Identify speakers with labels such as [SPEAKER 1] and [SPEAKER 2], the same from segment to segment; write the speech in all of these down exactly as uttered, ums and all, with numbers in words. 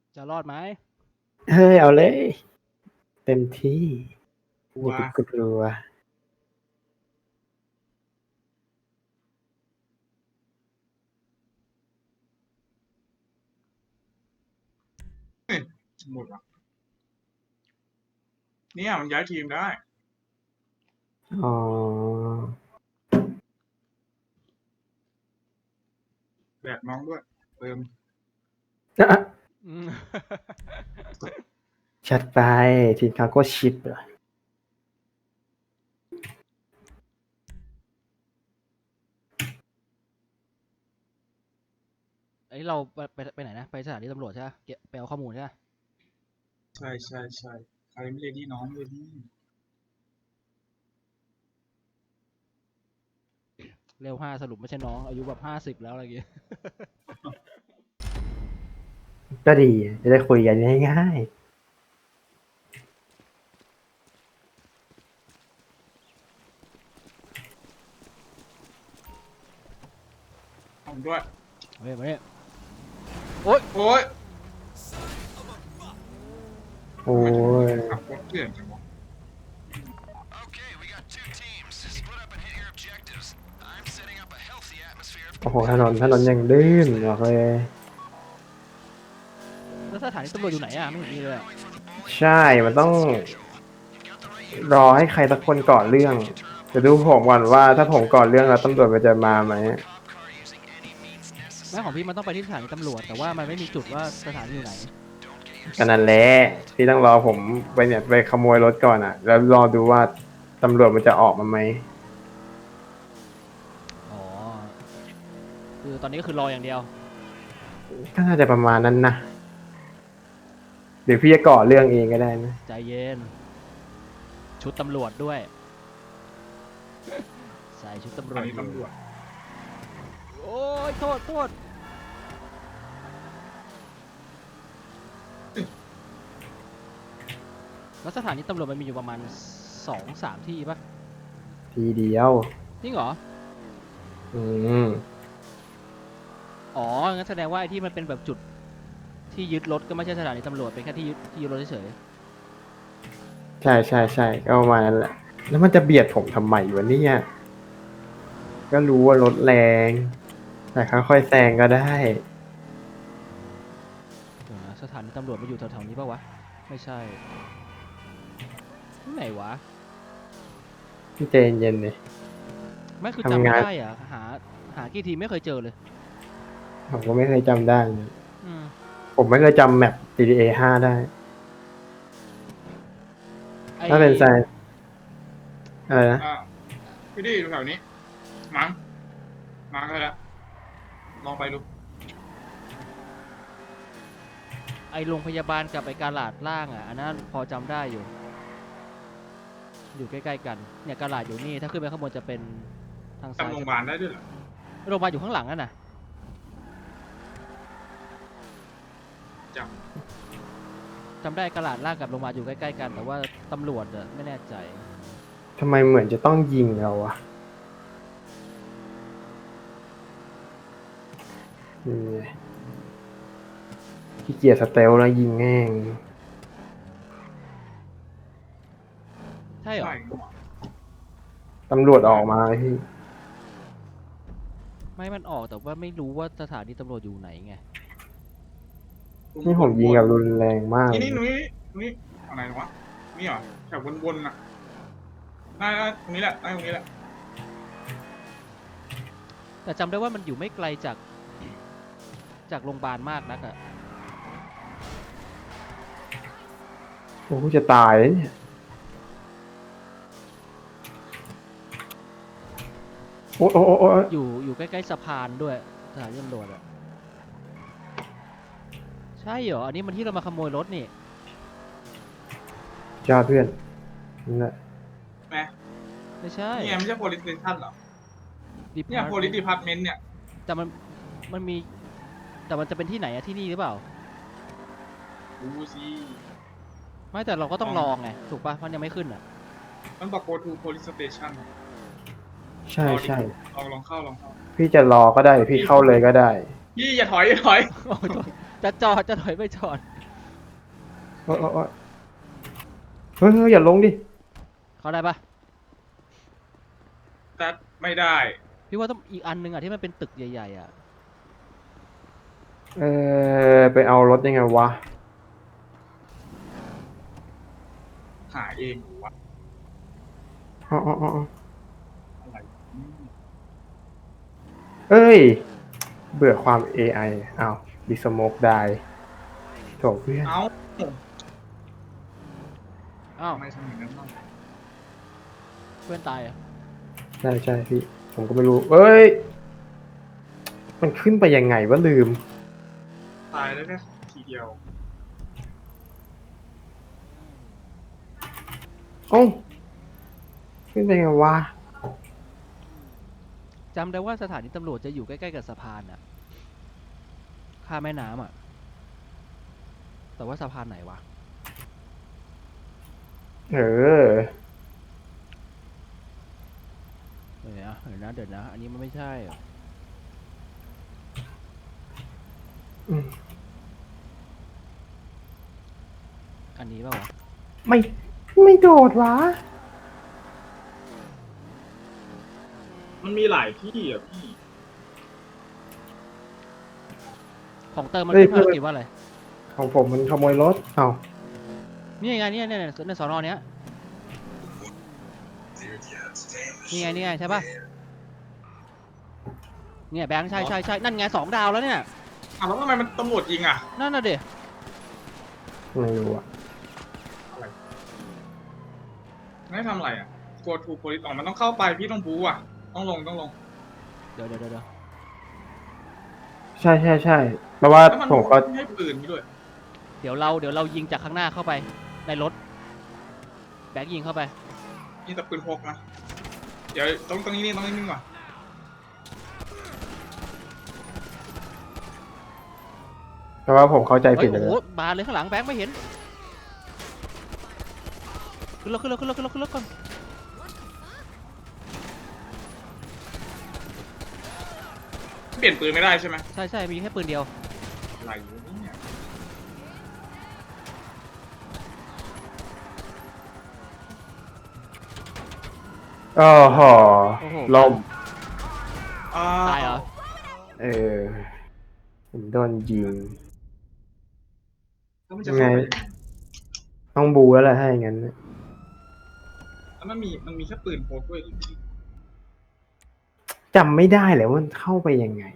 [SPEAKER 1] จะรอดไหม
[SPEAKER 2] เฮ้ยเอาเลยเต็มที่
[SPEAKER 3] กลัว
[SPEAKER 2] อย่าไปกลัว
[SPEAKER 3] หมดอ่ะเนี่ยมันย้ายทีมได้
[SPEAKER 2] อ๋อ
[SPEAKER 3] แบกน้องด้วยเติม
[SPEAKER 1] อืม
[SPEAKER 2] ชัดไปทีมคาโก้ชิปเหรอ
[SPEAKER 1] ไอยเราไปไปไปไหนนะไปสถานีตำรวจใช่ไหมเก็บไปเอาข้อมูลใช่ไหม
[SPEAKER 3] ใช่ใช่ใช่ใครไม่เรียนที่น้องเลยนี่
[SPEAKER 1] เร็วห้าสรุปไม่ใช่น้องอายุแบบห้าสิบแล้วอะไรอย่างเงี้ย
[SPEAKER 2] ก็ดีจะได้คุยกันง่าย
[SPEAKER 3] ผมด้วย
[SPEAKER 1] เฮ้ยมาเนี่ยโอ๊ย
[SPEAKER 3] โอ้ย
[SPEAKER 2] ๆโอ้ย
[SPEAKER 3] ขับรถเถื่อนจังวะ
[SPEAKER 4] Okay, we got two teams. Split up and hit your objectives. I'm setting up a healthy atmosphere of
[SPEAKER 2] โอ้โหถนนถนนยังลื่นบอกเลย
[SPEAKER 1] แล้วสถานีตำรวจอยู่ไหนอ่ะไม่เห็นมีเลยอะ
[SPEAKER 2] ใช่มันต้องรอให้ใครสักคนก่อเรื่องจะดูผมก่อนว่าถ้าผมก่อเรื่องแล้วตำรวจมันจะมาไหม
[SPEAKER 1] แม่ของพี่มันต้องไปที่สถานีตำรวจแต่ว่ามันไม่มีจุดว่าสถานีอยู่ไหน
[SPEAKER 2] กันนั่นแหละที่ต้องรอผมไปเนี่ยไปขโมยรถก่อนอ่ะ แล้วรอดูว่าตำรวจมันจะออกมาไหม
[SPEAKER 1] อ๋อคือตอนนี้ก็คือรออย่างเดียว
[SPEAKER 2] ก็น่าจะประมาณนั้นนะหรือพี่จะก่อเรื่องเองก็ได้นะ
[SPEAKER 1] ใจเย็น ชุดตำรวจด้วยใส่ชุดตำร
[SPEAKER 3] อั
[SPEAKER 1] วน จ
[SPEAKER 3] นี้ตำรวจ
[SPEAKER 1] โอ้ยโทษโทษแล้วสถานีตำรวจมันมีอยู่ประมาณสองสามที่ปะ
[SPEAKER 2] ทีเดียว
[SPEAKER 1] จริงเหรอ
[SPEAKER 2] อืม
[SPEAKER 1] อ๋อ งั้นแสดงว่าไอ้ที่มันเป็นแบบจุดที่ยึดรถก็ไม่ใช่สถานีตำรวจเป็นแค่ที่ยึดที่ยึดรถเฉย
[SPEAKER 2] ใช่ใช่ใช่ก็ประมาณนั้นแหละ แล้วมันจะเบียดผมทำไมวะเนี่ยก็รู้ว่ารถแรง แต่ค่อยๆแซงก็ได้
[SPEAKER 1] ๆเดี๋ยวนะสถานีตำรวจมาอยู่แถวๆนี้ปะวะ ไม่ใช่ที่ไหนวะ
[SPEAKER 2] พี่เจนเย็นเลย
[SPEAKER 1] ไม่คือ
[SPEAKER 2] ทำ
[SPEAKER 1] จำไม่
[SPEAKER 2] งาน
[SPEAKER 1] ได้อะหาหากี่ทีไม่เคยเจอเลย
[SPEAKER 2] ผมก็ไม่เคยจำได้เลย
[SPEAKER 1] อืม
[SPEAKER 2] ผมไม่เคยจำแมป จี ที เอ ห้าได้
[SPEAKER 1] ไอ้
[SPEAKER 2] ถ้าเป็นแซงอะไรนะ
[SPEAKER 3] อ่าพี่ดีอยู่แถวนี้มั้งมั้งเลยละลองไปดู
[SPEAKER 1] ไอ้โรงพยาบาลกับไอ้กาลาดล่างอ่ะ อันนั้นพอจำได้อยู่ อยู่ใกล้ๆกัน เนี่ยกาลาดอยู่นี่ ถ้าขึ้นไปข้างบนจะเป็นทางซ้าย
[SPEAKER 3] จำโรงพยาบาลได้ด้วยเหรอ
[SPEAKER 1] โรงพยาบาลอยู่ข้างหลังนั่นน่ะ
[SPEAKER 3] จ
[SPEAKER 1] จำได้กาลาดล่างกับโรงพยาบาลอยู่ใกล้ๆกัน แต่ว่าตำรวจอะไม่แน่ใจ
[SPEAKER 2] ทำไมเหมือนจะต้องยิงเราอะนี่ไงขี้เกียจสเตลแล้วยิงแง่ง
[SPEAKER 1] ใช่
[SPEAKER 3] ำ
[SPEAKER 1] เหรอ
[SPEAKER 3] ใช่
[SPEAKER 2] ตำรวจออกมาพี่
[SPEAKER 1] ไม่มันออกแต่ว่าไม่รู้ว่าสถานีตำรวจอยู่ไหนไง
[SPEAKER 2] นี่ผมยิงกับรุนแรงมาก
[SPEAKER 3] นี่นี่นุ้ยนุ้ยอะไรวะนี่เหรอแถววนๆน่ะได้ได้ตรงนี้แหละได้ตรงนี้แหละ
[SPEAKER 1] แต่จำได้ว่ามันอยู่ไม่ไกลจาก จากโรงพยาบาลมากนักอะ
[SPEAKER 2] โอ้จะตายแล้วเนี่ยโอ้โอ้โอ้โอ้
[SPEAKER 1] อยู่อยู่ใกล้ๆสะพานด้วยสถานีตำรวจอะใช่เหรอ อันนี้มันที่เรามาขโมยรถนี่
[SPEAKER 2] จ้าเพื่อนนั่นแหละ
[SPEAKER 3] แหม
[SPEAKER 1] ไม่ใช่
[SPEAKER 3] นี่ไงไม่ใช่ police station เหรอ เนี่ย
[SPEAKER 1] Department
[SPEAKER 3] police department เนี่ย
[SPEAKER 1] แต่มันมันมี แต่มันจะเป็นที่ไหนอะที่นี่หรือเปล่า
[SPEAKER 3] ดูสิ
[SPEAKER 1] ไม่แต่เราก็ต้องลองไง ถูกปะมันยังไม่ขึ้นอะ
[SPEAKER 3] มันบอก go to police station
[SPEAKER 2] ใช่ใช่
[SPEAKER 3] ลองลองเข้าลองเข้า
[SPEAKER 2] พี่จะรอก็ได้หรือพี่เข้าเลยก็ได้
[SPEAKER 3] พี่อย่าถอยอย่าถอย
[SPEAKER 1] โอ้ยโทษจะจอดจะถอยไม่จอด
[SPEAKER 2] อ้ยโอ้ยโอ้ยเฮ้ยเฮ้ยอย่าลงดิ
[SPEAKER 1] เข้าได้ปะ
[SPEAKER 3] แต่ไม่ได้
[SPEAKER 1] พี่ว่าต้องอีกอันนึงอ่ะที่มันเป็นตึกใหญ่ๆอ่ะ
[SPEAKER 2] เออไปเอารถยังไงวะ
[SPEAKER 3] หาเองหรือวะ
[SPEAKER 2] อ๋ออ๋ออ๋อ
[SPEAKER 3] อะไรอืม
[SPEAKER 2] เอ้ย เบื่อความ เอ ไอ อ้าวดิสโมกได้โถเพื่อน
[SPEAKER 3] เอ้า
[SPEAKER 1] อ้าว
[SPEAKER 3] ทำไมทำอย่างนั้นบ้าง
[SPEAKER 1] เพื่อนตายอ่ะ
[SPEAKER 2] ใช่ใช่พี่ ผมก็ไม่รู้ เอ้ย มันขึ้นไปยังไงวะลืม
[SPEAKER 3] ตายได้แค่ทีเดียว
[SPEAKER 2] เอ้าขึ้นไปยังไงวะ
[SPEAKER 1] จำได้ว่าสถานีตำรวจจะอยู่ใกล้ๆกับสะพานอ่ะข้ามแม่น้ำอ่ะ แต่ว่าสะพานไหนวะ
[SPEAKER 2] เออ
[SPEAKER 1] เดี๋ยวนะเดี๋ยวนะเดี๋ยวนะ อันนี้มันไม่ใช่อะ
[SPEAKER 2] อืม
[SPEAKER 1] อันนี้ป่าวะ
[SPEAKER 2] ไม่ ไม่โดดวะ
[SPEAKER 3] มันมีหลายที่อ่ะพี่
[SPEAKER 1] ของเติมมัน
[SPEAKER 2] เฮ้ย
[SPEAKER 1] ขึ้นภาร
[SPEAKER 2] เพื่อน
[SPEAKER 1] กิจว่าอะไร
[SPEAKER 2] ของผมมันขโมยรถ เอ้า
[SPEAKER 1] นี่ไงเนี่ยเนี่ยในสอนอเนี้ยนี่ไงนี่ไงใช่ปะเนี่ยแบงค์ใช่ใช่ใช่นั่นไงสองดาวแล้วเนี่ย
[SPEAKER 3] อ่ะแล้วทำไมมันตำรวจยิงอ่ะ
[SPEAKER 1] นั่นน่ะเด็
[SPEAKER 2] ไม่รู้อะ
[SPEAKER 3] ไม่ทำอะไรอ่ะกลัวถูกโพลิสออกมันต้องเข้าไปพี่ต้องบูอ่ะ ต้องลงต้องลง
[SPEAKER 1] เดี๋ยวเดี๋ยวเดี๋ยว
[SPEAKER 2] ใช่ใช่ใช่แปลว่า
[SPEAKER 3] แล้วมัน
[SPEAKER 2] ผมก็
[SPEAKER 3] ให้ปืนด้วย
[SPEAKER 1] เดี๋ยวเราเดี๋ยวเรายิงจากข้างหน้าเข้าไปในรถแบงค์ยิงเข้าไป
[SPEAKER 3] นี่แต่ปืนพกนะ เดี๋ยวต้องตรงนี้นี่ต้องนิ่งๆก่อน
[SPEAKER 2] แปลว่าผมเข้าใจ
[SPEAKER 1] เฮ้
[SPEAKER 2] ผิ
[SPEAKER 1] ย
[SPEAKER 2] ดเล
[SPEAKER 1] โอ้
[SPEAKER 2] ย
[SPEAKER 1] โหบานเลยข้างหลังแบงค์ไม่เห็นขึ้นรถขึ้นรถขึ้นรถขึ้นรถขึ้นรถก่อน
[SPEAKER 3] เปลี่ยนปืนไม่ได้ใช่ไหม
[SPEAKER 1] ใช่ใช่มีแค่ปืนเดียว
[SPEAKER 3] อะไรอยู่เนี่ย
[SPEAKER 2] โอ้โห
[SPEAKER 1] โอ้โห
[SPEAKER 2] ล่ม
[SPEAKER 3] อ่า
[SPEAKER 1] ตายเหรอ
[SPEAKER 2] เออ ผมโดนยิง
[SPEAKER 3] แล้วมันจะเข้าไปยังไง
[SPEAKER 2] ต้องบูแล้วแหละถ้าอย่างนั้น
[SPEAKER 3] แล้วมันมีมันมีแค่ปืนพกด้วยที่พี่
[SPEAKER 2] จำไม่ได้เลยว่ามันเข้าไปยังไง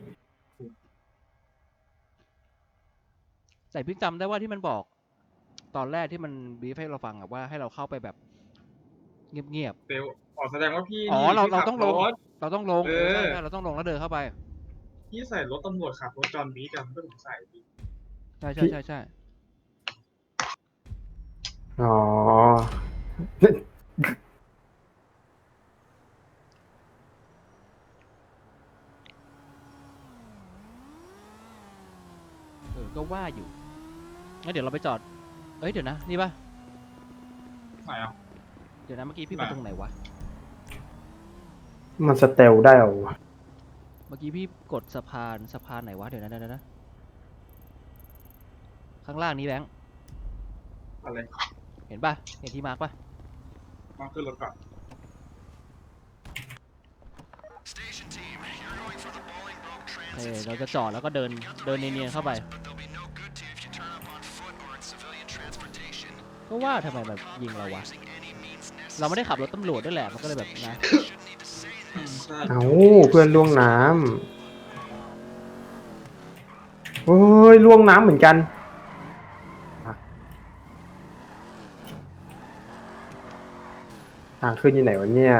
[SPEAKER 1] แต่พี่จำได้ว่าที่มันบอก ตอนแรกที่มันบีฟให้เราฟังอะว่าให้เราเข้าไปแบบเงียบ
[SPEAKER 3] เซลอ๋อแสดงว่าพี่
[SPEAKER 1] อ๋อ
[SPEAKER 3] นี่
[SPEAKER 1] เรา
[SPEAKER 3] พี่
[SPEAKER 1] เรา
[SPEAKER 3] ขับ
[SPEAKER 1] ต้องลง
[SPEAKER 3] รถ
[SPEAKER 1] ๆ เราต้องลง
[SPEAKER 3] เอ
[SPEAKER 1] เอ
[SPEAKER 3] อ
[SPEAKER 1] อใช่ใช่เราต้องลงแล้วเดินเข้าไป
[SPEAKER 3] พี่ใส่รถตำรวจขับรถจอห์นบีดำเพื่อนผมใส่พี่
[SPEAKER 1] ใช่ใช่ใช่ใช่
[SPEAKER 2] อ๋อ
[SPEAKER 1] เออก็ว่าอยู่งั้นเดี๋ยวเราไปจอด เอ้ยเดี๋ยวนะนี่ปะ
[SPEAKER 3] ไหนอ่ะ
[SPEAKER 1] เดี๋ยวนะเมื่อกี้พี่
[SPEAKER 3] ไหน
[SPEAKER 1] ไปตรงไหนวะ
[SPEAKER 2] มันสเตลได้เหรอวะ
[SPEAKER 1] เมื่อกี้พี่กดสะพานสะพานไหนวะเดี๋ยวนะเดี๋ยวนะเดี๋ยวนะข้างล่างนี้แบงค์
[SPEAKER 3] อะไร
[SPEAKER 1] เห็นปะเห็นที่มาร์กปะ
[SPEAKER 3] มาขึ้นรถก่อน
[SPEAKER 4] Station team, you're going for the Bolingbroke
[SPEAKER 1] เอ
[SPEAKER 4] Transit
[SPEAKER 1] อเราจะจอดแล้วก็เดินเดินเนียนๆเข้าไป
[SPEAKER 4] but they'll be no good to you if you turn up on foot or in civilian transportation.
[SPEAKER 1] ก็ว่าทำไมแบบยิงเราวะ
[SPEAKER 4] Using any means
[SPEAKER 1] เราไม่ได้ขับรถตำรวจด้วยแหละมันก็เลยแบบนะ
[SPEAKER 4] necessary. Shouldn't need to say
[SPEAKER 3] อืม
[SPEAKER 4] this.
[SPEAKER 3] ใช่
[SPEAKER 2] เอาเพื่อนล่วงน้ำโอ้ยล่วงน้ำเหมือนกัน ทางขึ้นอยู่ไหนวะเนี่ย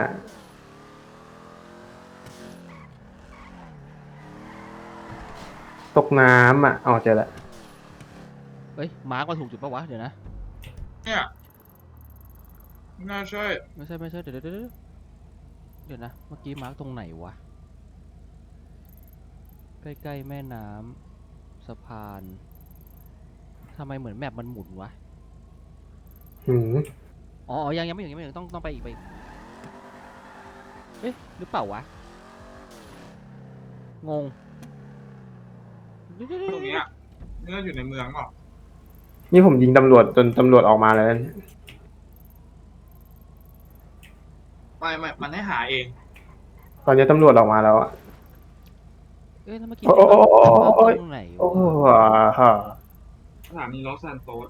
[SPEAKER 2] ตกน้ำอ่ะเอาเจอละ
[SPEAKER 1] เฮ้ยมาร์กมาถูกจุดปะวะเดี๋ยวนะ
[SPEAKER 3] เนี่ยไม่น่าใช่
[SPEAKER 1] ไม่ใช่ไม่ใช่เดี๋ยวเดี๋ยวเดี๋ยวเดี๋ยวนะเมื่อกี้มาร์กตรงไหนวะใกล้ๆแม่น้ำสะพานทำไมเหมือนแมปมันหมุนวะ
[SPEAKER 2] หืม
[SPEAKER 1] อ๋ออ๋อยังยังไม่ถึงยังไม่ถึงต้องต้องไปอีกไปอีกเอ๊ะหรือเปล่าวะงง
[SPEAKER 3] ตรงเนี้ยนี่เราอยู่ในเมืองเปล่า
[SPEAKER 2] นี่ผมยิงตำรวจจนตำรวจออกมาแล้วเนี่ย
[SPEAKER 3] ไม่ไม่มันให้หาเอง
[SPEAKER 2] ตอนนี้ตำรวจออกมาแล้วอะ
[SPEAKER 1] เอ้ยแล้วเมื่อกี้
[SPEAKER 2] โอ้โอ้โอ้โอ้โอ้โอ้
[SPEAKER 1] ตรงไหน
[SPEAKER 2] โอ้
[SPEAKER 1] วะ
[SPEAKER 2] ฮะ
[SPEAKER 3] สถานีลอสซานโตส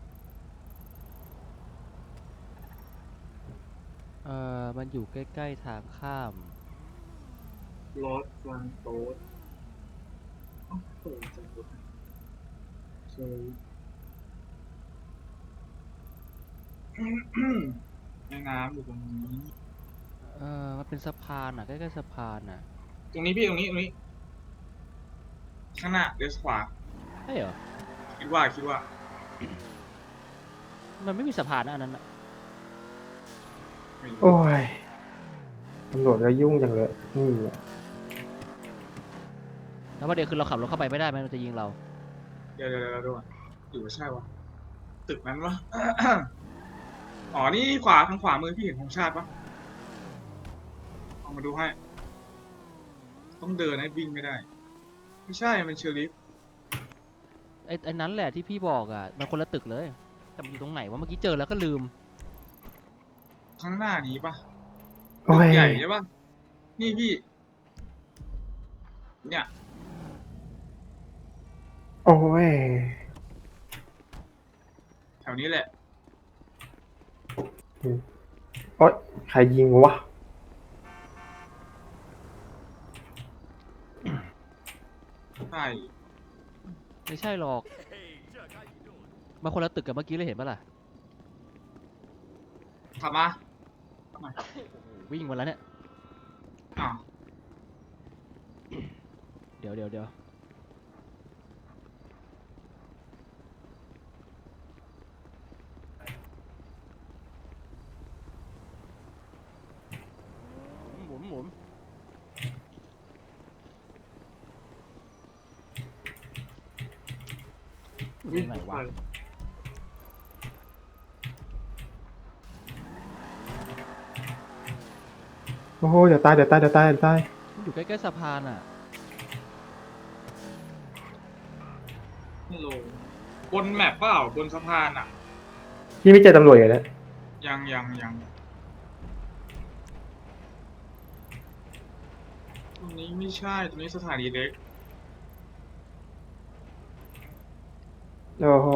[SPEAKER 1] เออมันอยู่ใกล้ๆทางข้าม
[SPEAKER 3] ลอสซานโตสเอ้าเปิดจังเลยเจอแม่น้ำอยู่ตรงนี้
[SPEAKER 1] เออมันเป็นสะพานอ่ะใกล้ๆสะพานอ่ะ
[SPEAKER 3] ตรงนี้พี่ตรงนี้ตรงนี้ ข้างหน้าเลี้ยวขวา
[SPEAKER 1] ใช่เหรอ
[SPEAKER 3] คิดว่าคิดว่า
[SPEAKER 1] มันไม่มีสะพานนะอันนั้นอะ
[SPEAKER 3] ไม่รู้
[SPEAKER 2] โอ้ยตำรวจก็ยุ่งจังเลยนี่อะ
[SPEAKER 1] แล้วประเด็นคือเราขับรถเข้าไปไม่ได้ไหมมันจะยิงเรา
[SPEAKER 3] เดี๋ยวเดี๋ยวเดี๋ยวดูก่อนหรือว่าใช่วะตึกนั้นวะ อ๋อนี่ขวาทางขวามือพี่เห็นธงชาติปะเอามาดูให้ ต้องเดินให้วิ่งไม่ได้ ไม่ใช่มันเชอริฟ
[SPEAKER 1] ไอ้ไอ้นั้นแหละที่พี่บอกอ่ะมันคนละตึกเลยแต่มันอยู่ตรงไหนวะเมื่อกี้เจอแล้วก็ลืม
[SPEAKER 3] ข้างหน้านี้ปะ
[SPEAKER 2] โอ้
[SPEAKER 3] ตึ
[SPEAKER 2] ย
[SPEAKER 3] กใหญ่ใช่ปะนี่พี่ เนี่ย
[SPEAKER 2] โอ้ย
[SPEAKER 3] แถวนี้แหละ
[SPEAKER 2] โอ๊ยใครยิงวะ
[SPEAKER 3] ใช่
[SPEAKER 1] ไม่ใช่หรอกมันคนละตึกกับเมื่อกี้เลยเห็นปะล่ะ
[SPEAKER 3] ขับมาขับมา
[SPEAKER 1] วิ่งมาแล้วเนี่ย
[SPEAKER 3] อ้าว
[SPEAKER 1] เดี๋ยวเดี๋ยวเดี๋ยวหมุนหมุนอยู่ตรงไหนวะ
[SPEAKER 2] โอ้โหเดี๋ยวตายเดี๋ยวตายเดี๋ยวตายเดี๋ยวตาย
[SPEAKER 1] มันอยู่ใกล้ๆสะพานอ่ะ
[SPEAKER 3] ไม่ลงบนแมปเปล่าบนสะพานอ่ะ
[SPEAKER 2] พี่ไม่เจอตำรวจอยู่แล้ว
[SPEAKER 3] ยังยังยังตรงนี้ไม่ใช่ตรงนี้สถานีเล็ก
[SPEAKER 2] โอ้โห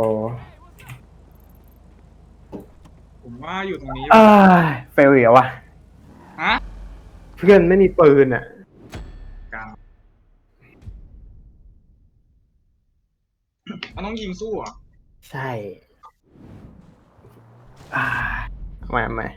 [SPEAKER 3] ผมว่าอยู่ตรงนี้
[SPEAKER 2] อ้ายเฟลอีกแล้ววะ
[SPEAKER 3] ฮะ
[SPEAKER 2] เพื่อนไม่มีปืนอ่ะ
[SPEAKER 3] กลางมันต้องยิงสู้เหรอ่ะ
[SPEAKER 2] ใช่อ่าทำไมทำไม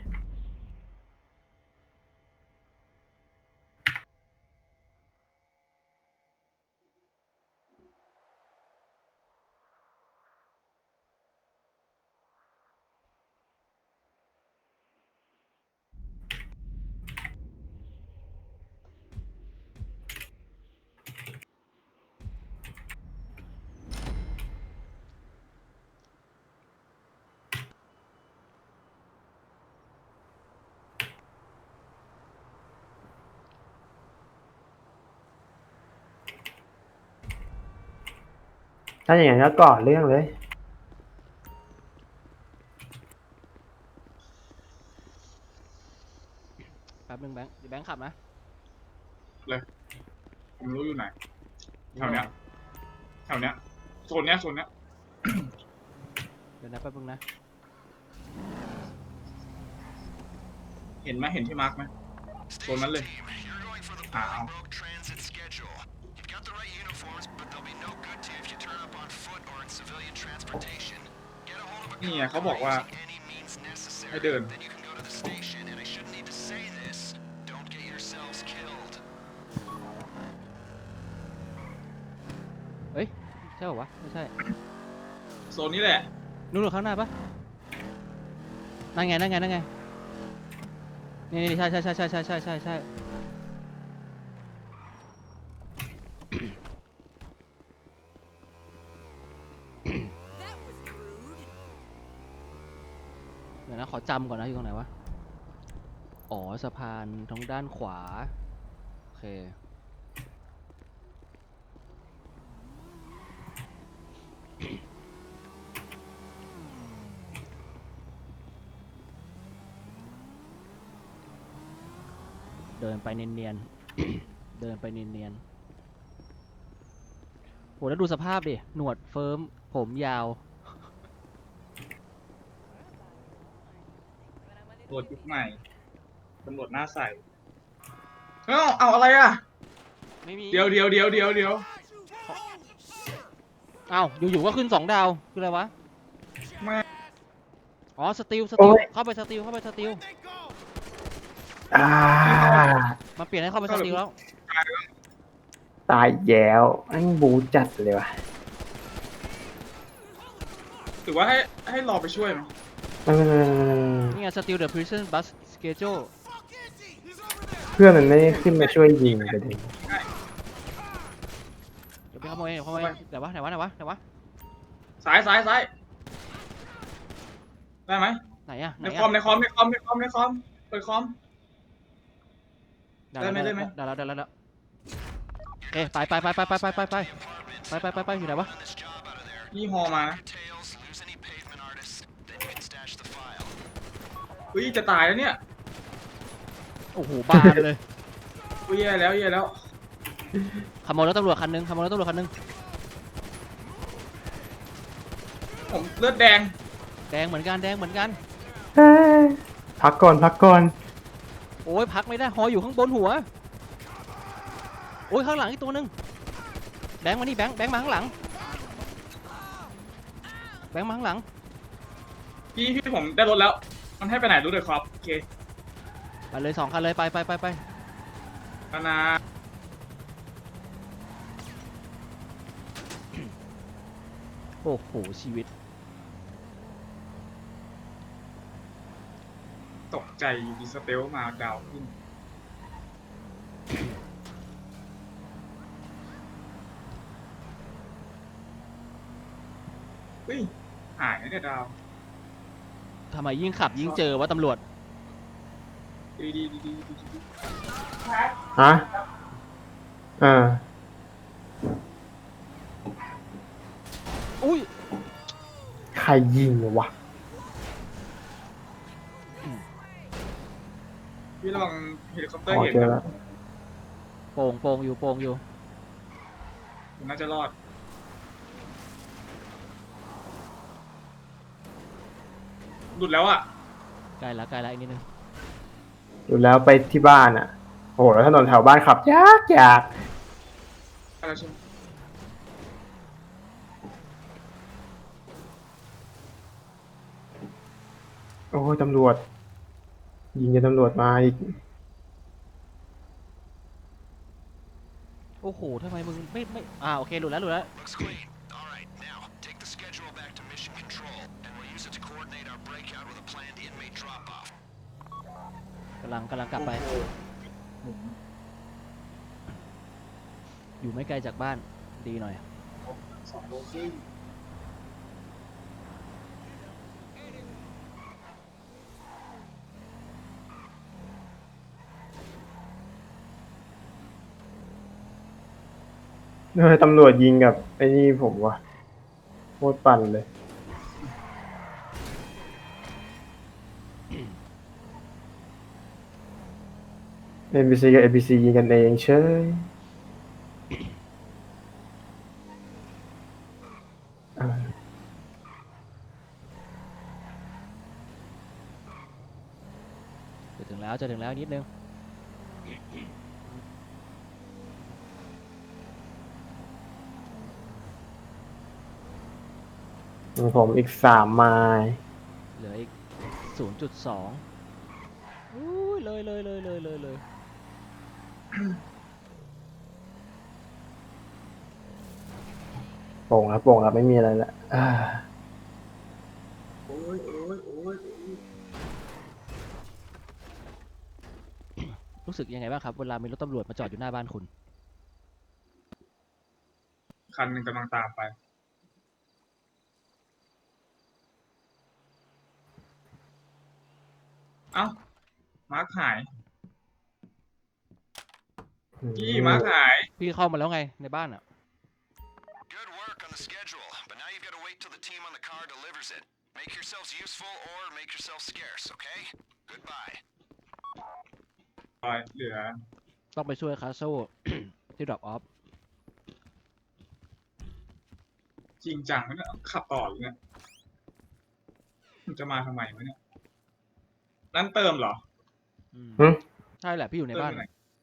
[SPEAKER 2] ถ้าอย่างนั้นก็ก่อเรื่องเลย
[SPEAKER 1] แป๊บนึงแบงค์เดี๋ยวแบงค์ขับนะ
[SPEAKER 3] ผมรู้อยู่ไหนแถวเนี้ยแถวเนี้ยโซนเนี้ยโซนเนี้ย
[SPEAKER 1] เดี๋ยวนะแป๊บนึงนะ
[SPEAKER 3] เห็นไหมเห็นที่มาร์กไหมโซนนั้นเลย
[SPEAKER 4] Team, you're going for the
[SPEAKER 3] Ow.
[SPEAKER 4] Bolingbroke transit schedule. You've got the right uniforms, but they'll be no good to you if you turn up on foot or in civilian transportation. Get a hold of a
[SPEAKER 3] นี่ไง
[SPEAKER 4] car
[SPEAKER 3] เขาบอกว่า
[SPEAKER 4] using any means necessary.
[SPEAKER 3] ให้เดิน
[SPEAKER 4] Then you can go to the station, and I shouldn't need to say this. Don't get yourselves killed.
[SPEAKER 1] เฮ้ยใช่ป่าวะไม่ใช่
[SPEAKER 3] โซนนี้แหละ
[SPEAKER 1] นู่นๆข้างหน้าปะนั่นไงนั่นไงนั่นไงนี่นี่ใช่ใช่ใช่ใช่ใช่ใช่ใช่ใช่เดี๋ยวนะขอจำก่อนนะอยู่ตรงไหนวะอ๋อสะพานทางด้านขวาโอเคดินไปเนียนๆ เดินไปเนียนๆโหแล้วดูสภาพดิหนวดเฟิร์มผมยาว
[SPEAKER 3] ตำรวจยุคใหม่ตำรวจหน้าใสเอ้าเอาอะไรอ่ะ
[SPEAKER 1] ไม่มี
[SPEAKER 3] เดี๋ยวเดี๋ยวเดี๋ยวเดี๋ยวเดี๋ยว
[SPEAKER 1] เอ้าอยู่ๆก็ขึ้นสองดาวคืออะไรวะ
[SPEAKER 3] ไม่
[SPEAKER 1] อ๋อสติลสติล
[SPEAKER 2] โอ้ย
[SPEAKER 1] เข้าไปสติลเข้าไปสติล
[SPEAKER 2] อ่า
[SPEAKER 1] มาเปลี่ยนให้เข้าไปสติลแล้ว
[SPEAKER 2] ตายแย้วอันบูจัดเลยวะ
[SPEAKER 3] หรือว่าให้ให้รอไปช่วยไหม
[SPEAKER 2] เออ
[SPEAKER 1] นี่ไงสติลเดอะพริซ o นบัสสเกจ l
[SPEAKER 2] เพื่อนมันไม่ได้ขึ้นมาช่วยยิงประเด็น
[SPEAKER 1] เดี๋ยวไปขโมยเดี๋ยวขโมยเดี๋ยววะไหนวะไหนวะไหนวะ
[SPEAKER 3] สายสายสายได้ไหม
[SPEAKER 1] ไหนอะไหน
[SPEAKER 3] ใน
[SPEAKER 1] อะ
[SPEAKER 3] คอมในคอมในคอมในคอมในคอมเปิดคอม
[SPEAKER 1] ได้แล้ว
[SPEAKER 3] ได้ไหม
[SPEAKER 1] ได้แล้วได้แล้วได้แล้วโอเคไปไปไปไปไปไปไปไปไปไปไปไปอยู่ไหนวะ
[SPEAKER 3] ยี่ฮอมานะ
[SPEAKER 4] Tails, lose any pavement artists, then you can stash the file.
[SPEAKER 3] เฮ้ยจะตายแล้วเนี่ย
[SPEAKER 1] โอ้โหบานเลย
[SPEAKER 3] อุ้ยแย่แล้วแย่แล้ว
[SPEAKER 1] ขโมยรถตำรวจคันหนึงขโมยรถตำรวจคันหนึง
[SPEAKER 3] ผมเลือดแดง
[SPEAKER 1] แดงเหมือนกันแดงเหมือนกัน
[SPEAKER 2] เอ้ยพักก่อนพักก่อน
[SPEAKER 1] โอ้ยพักไม่ได้หออยู่ข้างบนหัวโอ้ยข้างหลังอีกตัวหนึงแบงค์มานี่แบงค์แบงค์มาข้างหลังแบงค์มาข้างหลัง
[SPEAKER 3] พี่พี่ผมได้รถแล้ว มันให้ไปไหนรู้เลยครับโอเค
[SPEAKER 1] ไปเลยสองคันเลยไปไปไปไป
[SPEAKER 3] นานา
[SPEAKER 1] โอ้โหชีวิต
[SPEAKER 3] ตกใจอยู่ดีสเตลมาดาวขึ้นเฮ้ยหายแล้วเนี่ยดาว
[SPEAKER 1] ทำไมยิ่งขับยิ่งเจอว่าตำรวจ
[SPEAKER 3] ดีดีดีดีดีดี
[SPEAKER 2] ฮะอ่า
[SPEAKER 1] อุ้ย
[SPEAKER 2] ใครยิงวะ
[SPEAKER 3] พี่ระวังเฮลิคอปเตอ
[SPEAKER 2] อ๋
[SPEAKER 3] ร์
[SPEAKER 2] อ
[SPEAKER 3] เห็น
[SPEAKER 2] เจอ
[SPEAKER 3] นะ
[SPEAKER 2] แล้ว
[SPEAKER 1] โป่งโป่งอยู่โป่งอยู่
[SPEAKER 3] ผมน่าจะรอด หลุดแล้วอ่ะ
[SPEAKER 1] ใกล้ละใกล้ละอีกนิดนึง
[SPEAKER 2] ดูแล้วไปที่บ้านอ่ะ โอ้โหแล้วถนนแถวบ้านขับยากยาก
[SPEAKER 3] อะไรใช่ไหม
[SPEAKER 2] โอ้ยตำรวจ ยิงจะตำรวจมาอีก
[SPEAKER 1] โอ้โหทำไมมึงไม่ไม่อ่าโอเคหลุดแล้วหลุดแล้ว
[SPEAKER 4] Looks clean. All right, now take the schedule back to mission control, and we'll use it to coordinate our breakout with a planned inmate drop-off.
[SPEAKER 1] กำลังกำลังกลับไป อยู่ไม่ไกลจากบ้านดีหน่อย
[SPEAKER 3] สองโลครึ่ง
[SPEAKER 2] เออตำรวจยิงกับไอ้นี่ผมวะโคตรปั่นเลย เอ็น บี ซี กับ เอ บี ซี ยิงกันเองเชยเออ
[SPEAKER 1] จะถึงแล้วจะถึงแล้วนิดนึง
[SPEAKER 2] ของผมอีกสามไมล์
[SPEAKER 1] เหลืออีก ศูนย์จุดสอง อุ้ยเลยเลยเลยเลยเลยเลย
[SPEAKER 2] โป่งครับโป่งครับไม่มีอะไรละอ่า
[SPEAKER 3] โอ้ยโอ้ยโอ้ยโอ้ย
[SPEAKER 1] รู้สึกยังไงบ้างครับเวลามีรถตำรวจมาจอดอยู่หน้าบ้านคุณ
[SPEAKER 3] คันหนึ่งกำลังตามไป เอ้า มาร์คหาย พี่มาร์คหาย
[SPEAKER 1] พี่เข้ามาแล้วไงในบ้านอ่ะ
[SPEAKER 4] Good work on the schedule, but now you've got to wait till the team on the car delivers it. Make yourselves useful or make yourselves scarce, okay? Goodbye.
[SPEAKER 3] ร้อยเหลือ
[SPEAKER 1] ต้องไปช่วยคาโซ่ ที่ดรอปออฟ
[SPEAKER 3] จริงจังไหมเนี่ยขับต่ออยู่เนี่ยมันจะมาทำไมวะเนี่ยร้านเติมเหรอ
[SPEAKER 2] หึ
[SPEAKER 1] ใช่แหละพี่อยู่ใน
[SPEAKER 3] เติม
[SPEAKER 1] บ้าน
[SPEAKER 3] อยู่ไหน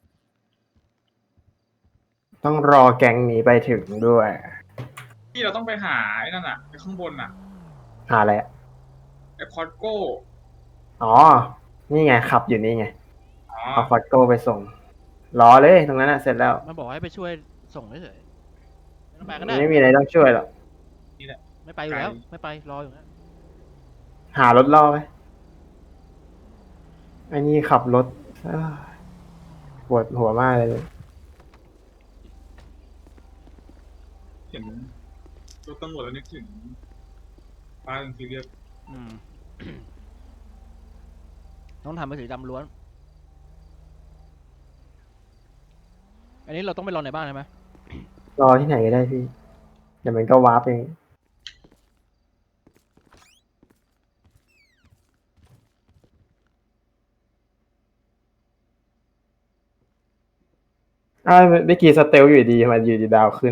[SPEAKER 2] ต้องรอแก๊งนี้ไปถึงด้วย
[SPEAKER 3] ที่เราต้องไปหาไอ้นั่นอ่ะไอ้ข้างบนอ่ะ
[SPEAKER 2] หาอะไรอะ
[SPEAKER 3] ไอ้คอสโก้
[SPEAKER 2] อ๋อ นี่ไงขับอยู่นี่ไง
[SPEAKER 3] อ๋อ
[SPEAKER 2] เอาฟอตโก้ไปส่ง รอเลยตรงนั้นอะเสร็จแล้ว
[SPEAKER 1] มันบอกให้ไปช่วยส่งเฉยๆไม่ต้องไปก็ได้
[SPEAKER 2] ไม่มีอะไรต้องช่วยหรอก
[SPEAKER 3] นี่แหละ
[SPEAKER 1] ไม่ไปอยู่แล้ว ไม่ไปรออยู่นะ
[SPEAKER 2] หารถล่อไปไอ้นี่ขับรถเอ้ยปวดหัวมากเลย
[SPEAKER 3] เห็นรถตำรวจแล้วนึกถึงป้าเป็นซีเรียส
[SPEAKER 1] อืม ต้องทำเป็นสีดำล้วน อันนี้เราต้องไปรอในบ้านใช่ไหม
[SPEAKER 2] รอที่ไหนก็ได้พี่ เดี๋ยวมันก็วาร์ปเอง อ้าวเมื่อกี้สเตลอยู่ดีทำไมันอยู่ดีดาวขึ้น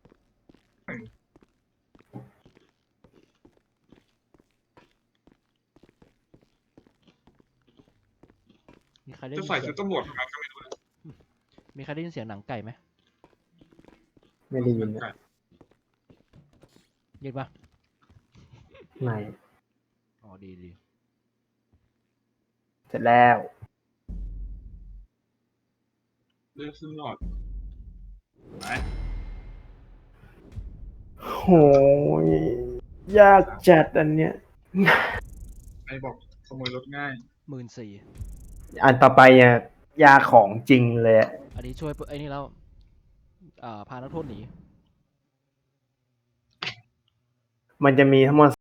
[SPEAKER 1] มีใครได้
[SPEAKER 3] จะ
[SPEAKER 1] ยิน
[SPEAKER 3] ใส่
[SPEAKER 1] เสี
[SPEAKER 3] ชุ
[SPEAKER 1] ย
[SPEAKER 3] ด
[SPEAKER 1] ง
[SPEAKER 3] ตำรวจทำไมก็ไม่รู้นะ
[SPEAKER 1] มีใครได้ยินเสียงหนังไก่ไหม
[SPEAKER 2] ไม่ได้ยินนะ
[SPEAKER 1] ยินปะ
[SPEAKER 2] ไม่
[SPEAKER 1] อ๋อ ดีดี
[SPEAKER 2] เสร็จแล้ว
[SPEAKER 3] เลือกขึ้นหลอดไป
[SPEAKER 2] โหยยากจัดอันเนี้ย
[SPEAKER 3] ไอ้บอกขโมยรถง่าย
[SPEAKER 1] หมื่นสี่
[SPEAKER 2] อันต่อไปอ่ะยากของจริงเลยอะ
[SPEAKER 1] อันนี้ช่วยไอ้นี่แล้วอ่าพานักโทษหนี
[SPEAKER 2] มันจะมีทั้งหมด